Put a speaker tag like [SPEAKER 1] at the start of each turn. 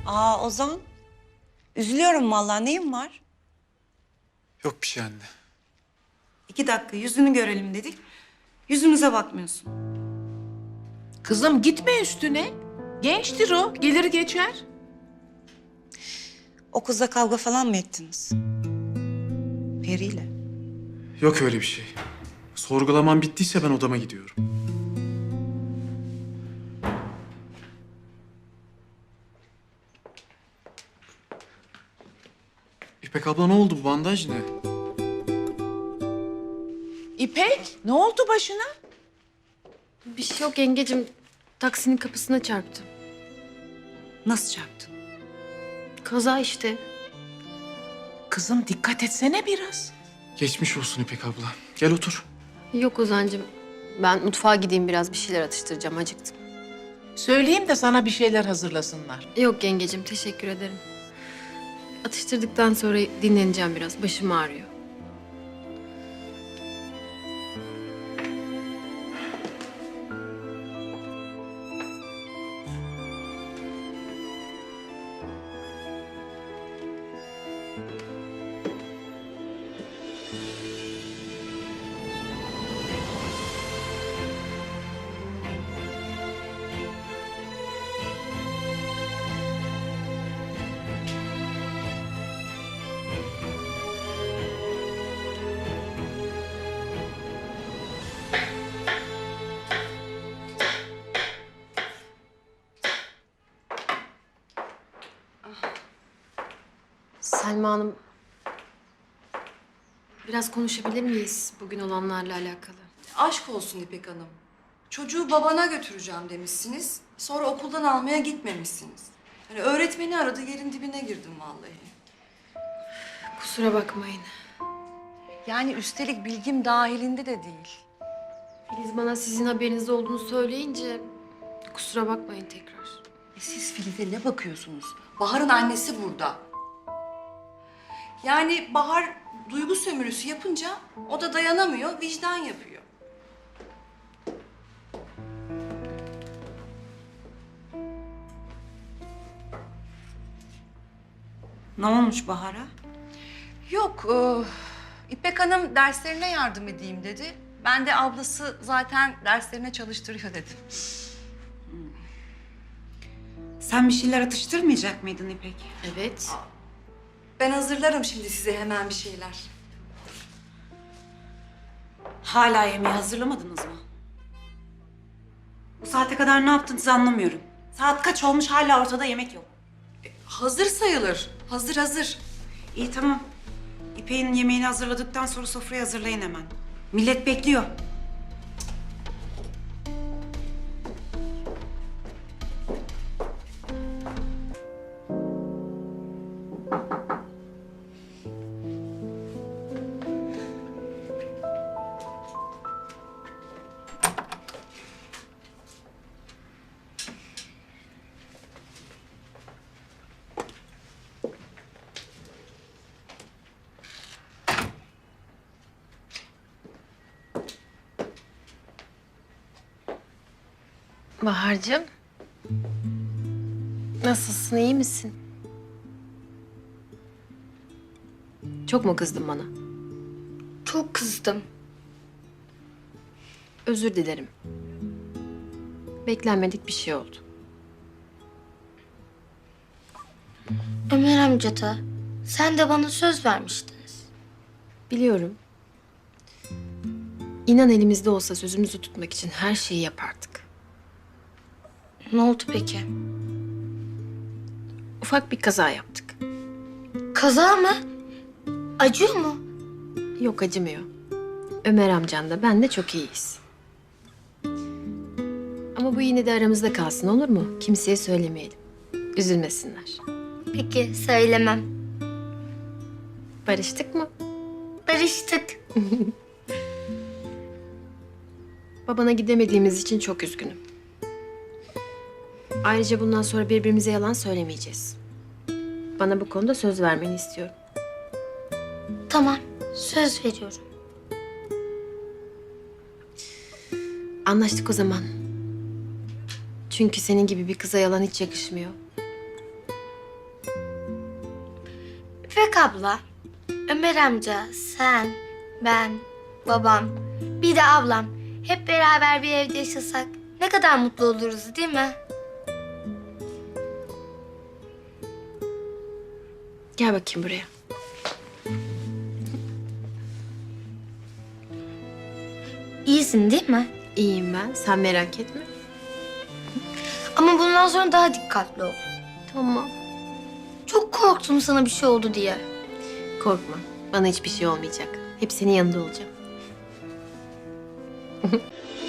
[SPEAKER 1] Aa Ozan, üzülüyorum vallahi. Neyin var?
[SPEAKER 2] Yok bir şey anne.
[SPEAKER 1] 2 dakika yüzünü görelim dedik. Yüzümüze bakmıyorsun.
[SPEAKER 3] Kızım gitme üstüne. Gençtir o, gelir geçer.
[SPEAKER 1] O kızla kavga falan mı ettiniz? Peri'yle.
[SPEAKER 2] Yok öyle bir şey. Sorgulamam bittiyse ben odama gidiyorum. İpek abla ne oldu, bu bandaj ne?
[SPEAKER 3] İpek, ne oldu başına?
[SPEAKER 4] Bir şey yok yengecim. Taksinin kapısına çarptım.
[SPEAKER 1] Nasıl çarptın?
[SPEAKER 4] Kaza işte.
[SPEAKER 3] Kızım dikkat etsene biraz.
[SPEAKER 2] Geçmiş olsun İpek abla. Gel otur.
[SPEAKER 4] Yok Ozan'cığım. Ben mutfağa gideyim biraz bir şeyler atıştıracağım. Acıktım.
[SPEAKER 3] Söyleyeyim de sana bir şeyler hazırlasınlar.
[SPEAKER 4] Yok yengecim teşekkür ederim. Atıştırdıktan sonra dinleneceğim biraz. Başım ağrıyor. Selma Hanım. Biraz konuşabilir miyiz bugün olanlarla alakalı?
[SPEAKER 5] Aşk olsun İpek Hanım. Çocuğu babana götüreceğim demişsiniz. Sonra okuldan almaya gitmemişsiniz. Hani öğretmeni aradı, yerin dibine girdim vallahi.
[SPEAKER 4] Kusura bakmayın.
[SPEAKER 5] Yani üstelik bilgim dahilinde de değil.
[SPEAKER 4] Filiz bana sizin haberiniz olduğunu söyleyince kusura bakmayın tekrar.
[SPEAKER 5] Siz Filiz'e ne bakıyorsunuz? Bahar'ın annesi burada. Yani Bahar duygu sömürüsü yapınca o da dayanamıyor, vicdan yapıyor.
[SPEAKER 1] Ne olmuş Bahar'a?
[SPEAKER 5] Yok, İpek Hanım derslerine yardım edeyim dedi. Ben de ablası zaten derslerine çalıştırıyor dedim.
[SPEAKER 1] Sen bir şeyler atıştırmayacak mıydın İpek?
[SPEAKER 4] Evet.
[SPEAKER 5] Ben hazırlarım şimdi size hemen bir şeyler.
[SPEAKER 1] Hala yemeği hazırlamadınız mı? Bu saate kadar ne yaptınız anlamıyorum. Saat kaç olmuş hala ortada yemek yok.
[SPEAKER 5] Hazır sayılır. Hazır.
[SPEAKER 1] İyi tamam. İpek'in yemeğini hazırladıktan sonra sofrayı hazırlayın hemen. Millet bekliyor.
[SPEAKER 4] Bahar'cığım. Nasılsın, iyi misin? Çok mu kızdın bana?
[SPEAKER 6] Çok kızdım.
[SPEAKER 4] Özür dilerim. Beklenmedik bir şey oldu.
[SPEAKER 6] Ömer amca da sen de bana söz vermiştiniz.
[SPEAKER 4] Biliyorum. İnan elimizde olsa sözümüzü tutmak için her şeyi yapardık.
[SPEAKER 6] Ne oldu peki?
[SPEAKER 4] Ufak bir kaza yaptık.
[SPEAKER 6] Kaza mı? Acıyor mu?
[SPEAKER 4] Yok acımıyor. Ömer amcan da ben de çok iyiyiz. Ama bu yine de aramızda kalsın olur mu? Kimseye söylemeyelim. Üzülmesinler.
[SPEAKER 6] Peki söylemem.
[SPEAKER 4] Barıştık mı?
[SPEAKER 6] Barıştık.
[SPEAKER 4] Babana gidemediğimiz için çok üzgünüm. Ayrıca bundan sonra birbirimize yalan söylemeyeceğiz. Bana bu konuda söz vermeni istiyorum.
[SPEAKER 6] Tamam, söz veriyorum.
[SPEAKER 4] Anlaştık o zaman. Çünkü senin gibi bir kıza yalan hiç yakışmıyor.
[SPEAKER 6] İpek abla, Ömer amca, sen, ben, babam, bir de ablam hep beraber bir evde yaşasak ne kadar mutlu oluruz değil mi?
[SPEAKER 4] Gel bakayım buraya.
[SPEAKER 6] İyisin değil mi?
[SPEAKER 4] İyiyim ben. Sen merak etme.
[SPEAKER 6] Ama bundan sonra daha dikkatli ol.
[SPEAKER 4] Tamam.
[SPEAKER 6] Çok korktum sana bir şey oldu diye.
[SPEAKER 4] Korkma. Bana hiçbir şey olmayacak. Hep senin yanında olacağım.